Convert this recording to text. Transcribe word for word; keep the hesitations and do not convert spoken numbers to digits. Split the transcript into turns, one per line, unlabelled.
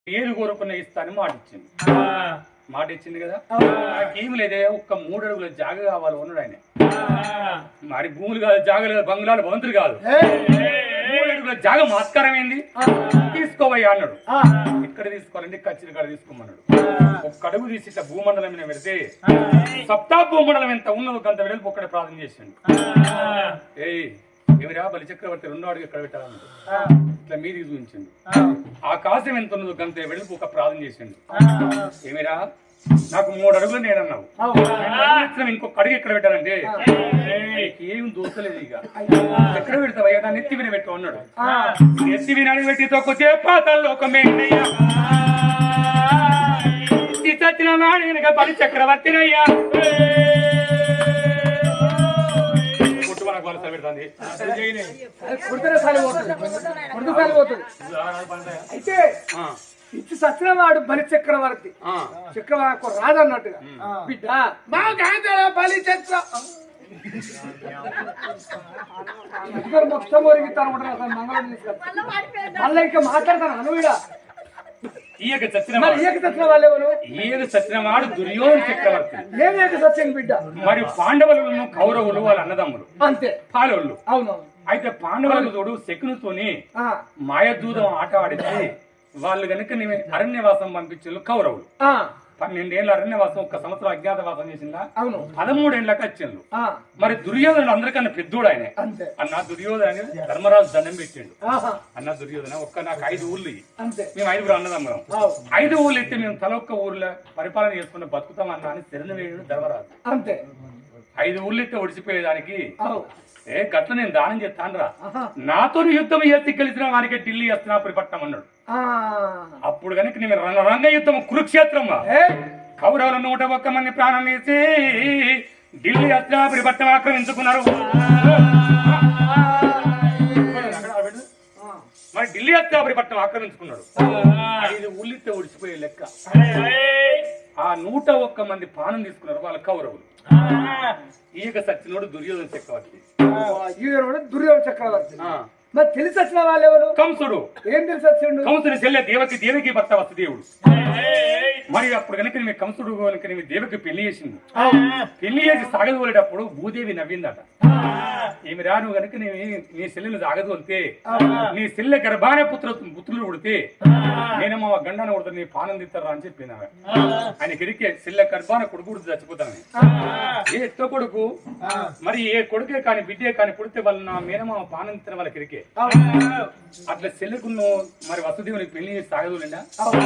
ఏది కోరుకున్న ఇస్తానని మాట ఇచ్చింది. మాట ఇచ్చింది కదా, ఏమి లేదే ఒక్క మూడు అడుగుల జాగ కావాలి ఉన్నాడు ఆయన. మరి భూములు కాదు, జాగలు కాదు, బంగ్లాలు భవంతులు కాదు, మూడు అడుగుల జాగ మాస్కారం ఏంది తీసుకోవయ్యా అన్నాడు. ఇక్కడ తీసుకోవాలంటే కచ్చిరి కాడ తీసుకోమన్నాడు. ఒక్క అడుగు తీసి ఇట్లా భూమండలం మీద పెడితే సప్తా భూమండలం ఎంత ఉన్నదో గంత వెడల్పు ఒక్కడే ప్రార్థన చేసిండు. ఏయ్ ఏమిరా బలి చక్రవర్తి రెండో అడుగు ఎక్కడ పెట్టాలన్నాడు. ఇట్లా మీదికి చూపించండు. ఆకాశం ఎంత ఉన్నదో గంత వెడల్పు ఒక ప్రార్థన చేసిండు. ఏమిరా నాకు మూడు అడుగులు నేనన్నావు, ఇంకొక అడుగు ఎక్కడ పెట్టాలంటే ఏం దోసలేదు. ఇక ఎక్కడ పెడతావయ్యా నా నెత్తి విన పెట్టు అన్నాడు. నెత్తి వినాడు పెట్టి తొక్కితే పాతాల్లో ఒక మేనయ్యా చచ్చిన వాడు వెనక బలి చక్రవర్తినయ్యా.
అయితే ఇచ్చి సచిన వాడు బలి చక్రవర్తి, చక్రవర్తి రాదు అన్నట్టుగా బిడ్డ మా గాంధీ బలి చక్ర మొత్తం ఒరిగితాను మంగళం తీసుకెళ్తాను. మళ్ళీ ఇంకా మాట్లాడతాను అనువిడా
ఈయక చచ్చిన
ఈయక చచ్చిన వాళ్ళెవరు?
ఈయక చచ్చిన వాడు దుర్యోధన చక్రవర్తి.
ఏం ఏక సత్యం బిడ్డ?
మరి పాండవులను కౌరవులు వాళ్ళ అన్నదమ్ములు
అంతే
పాలవులు.
అవును.
అయితే పాండవులకు తోడు శకునితోని మాయదూతం ఆట ఆడితే వాళ్ళు కనుక నేను అరణ్యవాసం పంపించారు కౌరవులు. పన్నెండేళ్ళ అరణ్యవాసం ఒక్క సంవత్సరం అజ్ఞాతవాసం చేసిందా, పదమూడేళ్ళకి వచ్చిండు. మరి దుర్యోధనుడు అందరికన్నా పెద్దోడు ఆయన. అన్న దుర్యోధన అనేది ధర్మరాజు దండం పెట్టిండు. అన్న దుర్యోధన ఒక్క నాకు ఐదు ఊర్లు మేము ఐదుగురు అన్నదమ్మరం, ఐదు ఊర్లు ఎత్తే మేము తల ఒక్క ఊర్లో పరిపాలన చేసుకుని బతుకుతాం అన్న అని శరణ వేయుడు ధర్మరాజు. అంతే ఐదు ఊర్లు ఎత్తే ఒడిచిపోయేదానికి ఏ గట్ల నేను దానం చేస్తానరా, నాతో యుద్ధం ఎత్తి కలిసిన వానికి ఢిల్లీ హస్తినాపురి పట్టణం అన్నాడు. అప్పుడు కనుక నేను రంగ యుద్ధం కురుక్షేత్రం కౌరవుల నూట ఒక్క మంది ప్రాణం వేసి ఢిల్లీ హస్తినాపురి పట్టణం ఆక్రమించుకున్నారు. మరి ఢిల్లీ హస్తినాపురి పట్టణం ఆక్రమించుకున్నాడు. ఐదు ఊళ్ళితే ఒడిచిపోయే లెక్క. ఆ నూట ఒక్క మంది ప్రాణం తీసుకున్నారు వాళ్ళ కౌరవులు. ఈయక సచ్చినోడు దుర్యోధన చక్రవర్తి.
దుర్యోధన చక్రవర్తి మరి తెలిసి వచ్చిన వాళ్ళెవరు? కంసుడు. ఏం తెలిసి వచ్చిండు? కంసుడు చెల్లె దేవకి, దేవకి భర్త వసుదేవుడు. మరి అప్పుడు కనుక నీ కంసుడు కనుక నీ దేవకి పెళ్లి చేసింది. పెళ్లి చేసి సాగదోలేటప్పుడు భూదేవి నవ్విందట. ఏమి రా నువ్వు కనుక నీ నీ చెల్లెలు సాగదోలితే నీ చెల్లె గర్భాన పుత్ర పుత్రులు పుడితే నేనేమో గండాన్ని కొడుతా నీ పానం తిస్తారా అని చెప్పిన ఆయన గిరికి చెల్లె గర్భాన కొడుకు పుడితే చచ్చిపోతాను. ఏ ఎత్తో కొడుకు మరి ఏ కొడుకే కానీ బిడ్డే కానీ పుడితే వాళ్ళు నా మేనమామ పానం తిన్న వాళ్ళ కిరికే అట్లా చెల్లెకు మరి వసుదేవుని పెళ్లి చేసి సాగదోలేండా.